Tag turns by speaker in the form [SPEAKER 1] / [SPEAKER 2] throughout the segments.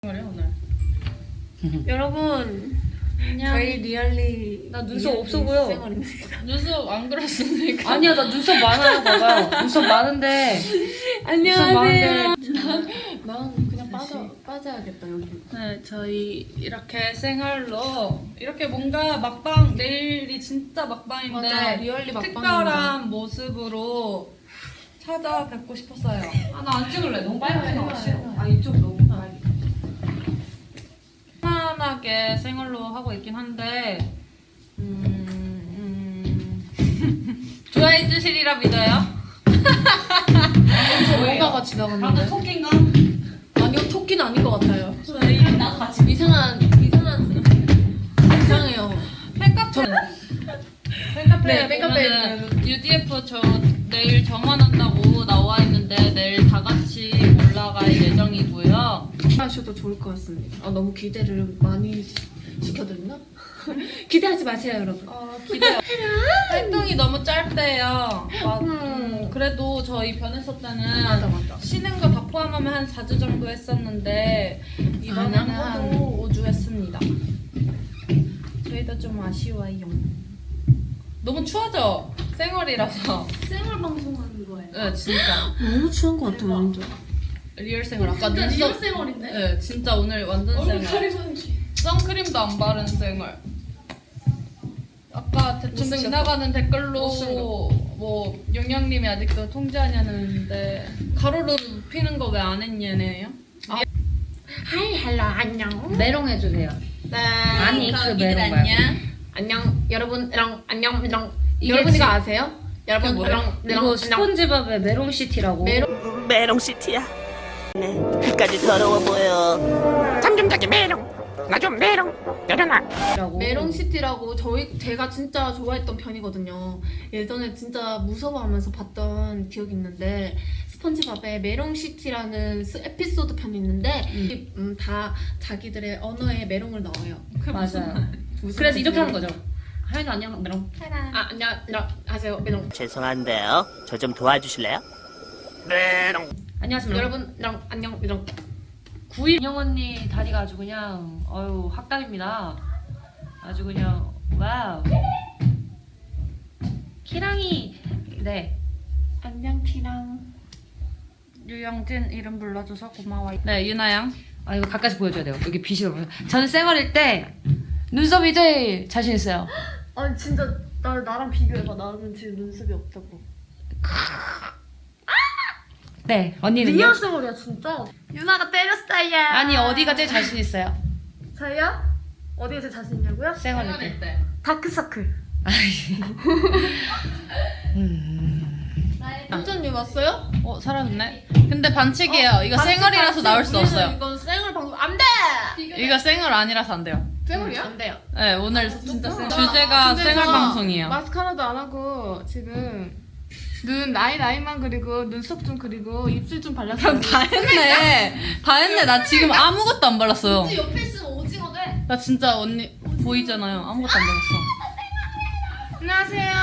[SPEAKER 1] 오늘.
[SPEAKER 2] 여러분,
[SPEAKER 1] 안녕.
[SPEAKER 2] 저희 리얼리
[SPEAKER 1] 나 눈썹 없어 보여.
[SPEAKER 2] 생얼입니다.
[SPEAKER 1] 눈썹 안 그렸으니까.
[SPEAKER 3] 아니야, 나 눈썹 많아요, 봐봐요. 눈썹 많은데.
[SPEAKER 2] 안녕하세요.
[SPEAKER 1] 난 그냥 빠져야겠다 여기. 네, 저희 이렇게 생얼로 이렇게 뭔가 막방 내일이 진짜 막방인데
[SPEAKER 2] 맞아, 리얼리 막방입니다.
[SPEAKER 1] 특별한 모습으로 찾아뵙고 싶었어요.
[SPEAKER 3] 아, 나 안 찍을래. 너무 빨갛게 나와. 싫어.
[SPEAKER 1] 아 이쪽 너무 빨리. 편안하게 생얼로 하고 있긴 한데 좋아해 주시리라 믿어요.
[SPEAKER 2] 뭔가가 지나갔는데.
[SPEAKER 3] 토끼인가?
[SPEAKER 2] 아니요, 토끼는 아닌 것 같아요.
[SPEAKER 1] 저희
[SPEAKER 3] 나도 같이.
[SPEAKER 2] 이상해요.
[SPEAKER 1] 팬카페
[SPEAKER 2] 네, 팬카페에
[SPEAKER 1] 보면은 UDF 저 내일 정원한다고 나와 있는데 내일 다 같이 올라갈 예정이고요.
[SPEAKER 2] 하셔도 좋을 것 같습니다. 너무 기대를 많이 시켜드렸나? 기대하지 마세요, 여러분.
[SPEAKER 1] 기대요. 활동이 너무 짧대요. 그래도 저희 변했을 때는
[SPEAKER 2] 맞아.
[SPEAKER 1] 쉬는 거 다 포함하면 한 4주 정도 했었는데 이번에는 한 5주 했습니다. 저희도 좀 아쉬워요. 너무 추워져. 생얼이라서.
[SPEAKER 3] 생얼 방송하는 거예요.
[SPEAKER 1] 네, 진짜.
[SPEAKER 2] 너무 추운 것 같아요, 완전.
[SPEAKER 1] 리얼 생얼. 아까 눈썹.
[SPEAKER 3] 생얼인데?
[SPEAKER 1] 네, 진짜 오늘 완전 생얼. 선크림도 안 바른 생얼. 아까 대충
[SPEAKER 2] 못생겼어.
[SPEAKER 1] 지나가는 댓글로
[SPEAKER 2] 못생겨.
[SPEAKER 1] 뭐 용영님이 아직도 통제하냐는데 가로로 눕히는 거 왜 안 했냐네요.
[SPEAKER 2] 하이, 헬로, 안녕.
[SPEAKER 3] 메롱 해주세요.
[SPEAKER 2] 네.
[SPEAKER 3] 아니, 그
[SPEAKER 1] 거기들
[SPEAKER 3] 메롱
[SPEAKER 1] 안녕.
[SPEAKER 2] 안녕, 여러분, 안녕.
[SPEAKER 3] 이게
[SPEAKER 2] 여러분 이거
[SPEAKER 3] 지-
[SPEAKER 2] 아세요? 여러분,
[SPEAKER 1] 뭐예요?
[SPEAKER 3] 이거 스폰지밥의 메롱시티라고.
[SPEAKER 4] 메롱시티야. 네, 끝까지 더러워 보여. 잠좀 메롱. 나 좀 메롱. 내려놔.
[SPEAKER 2] 메롱시티라고 제가 진짜 좋아했던 편이거든요. 예전에 진짜 무서워하면서 봤던 기억이 있는데 스펀지밥에 메롱시티라는 에피소드 편이 있는데 다 자기들의 언어에 메롱을 넣어요.
[SPEAKER 3] 맞아요. 그래서 이렇게 하는 거죠. 하연이 안녕, 메롱.
[SPEAKER 2] 안녕하세요, 메롱.
[SPEAKER 4] 죄송한데요. 저 좀 도와주실래요? 메롱.
[SPEAKER 3] 안녕하세요, 메롱.
[SPEAKER 2] 여러분, 안녕, 메롱.
[SPEAKER 3] 9일 인형 언니 다리가 아주 그냥 학당입니다. 아주 그냥 와우. 키랑이 네.
[SPEAKER 2] 안녕, 티랑.
[SPEAKER 1] 유영진 이름 불러줘서 고마워요. 네, 유나양.
[SPEAKER 3] 아 이거 가까이서 보여줘야 돼요. 여기 빛이 보여. 저는 쌩얼일 때 눈썹이 제일 자신 있어요.
[SPEAKER 2] 아니 진짜 나랑 비교해봐. 나는 지금 눈썹이 없다고.
[SPEAKER 3] 네, 언니는요?
[SPEAKER 2] 리얼스몰이야 진짜. 유나가 때렸어요.
[SPEAKER 3] 아니 어디가 제일 자신 있어요?
[SPEAKER 2] 저요? 어디에 제일 자신 있냐고요?
[SPEAKER 3] 쌩얼일 때.
[SPEAKER 2] 다크서클. 현전님 왔어요?
[SPEAKER 1] 사라졌네. 근데 반칙이에요. 이거 생얼이라서 나올 수 없어요.
[SPEAKER 2] 이건 생얼 방송 안 돼.
[SPEAKER 1] 이거 생얼 아니라서 안 돼요.
[SPEAKER 2] 생얼이야? 안 돼요.
[SPEAKER 1] 네, 오늘 진짜 주제가 생얼 방송이에요.
[SPEAKER 5] 마스카라도 안 하고 지금 눈 라인만 그리고 눈썹 좀 그리고 입술 좀 발랐어요.
[SPEAKER 1] 다 했네. 다 했네. 나 지금 아무것도 안 발랐어요.
[SPEAKER 2] 옆에 있으면 오징어 돼.
[SPEAKER 1] 나 진짜 언니 보이잖아요. 아무것도 안 발랐어.
[SPEAKER 5] 안녕하세요.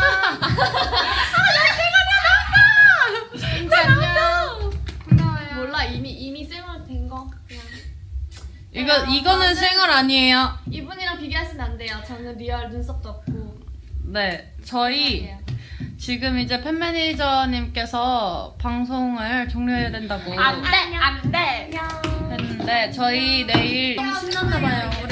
[SPEAKER 2] 진짜 안녕.
[SPEAKER 5] 반가워요.
[SPEAKER 2] 몰라 이미 생얼 된 거. 그냥.
[SPEAKER 1] 이거는 생얼 아니에요.
[SPEAKER 2] 이분이랑 비교하시면 안 돼요. 저는 리얼 눈썹도 없고.
[SPEAKER 1] 네, 저희 지금 이제 팬 매니저님께서 방송을 종료해야 된다고
[SPEAKER 2] 안 돼.
[SPEAKER 1] 했는데 저희 내일
[SPEAKER 2] 신났나 봐요.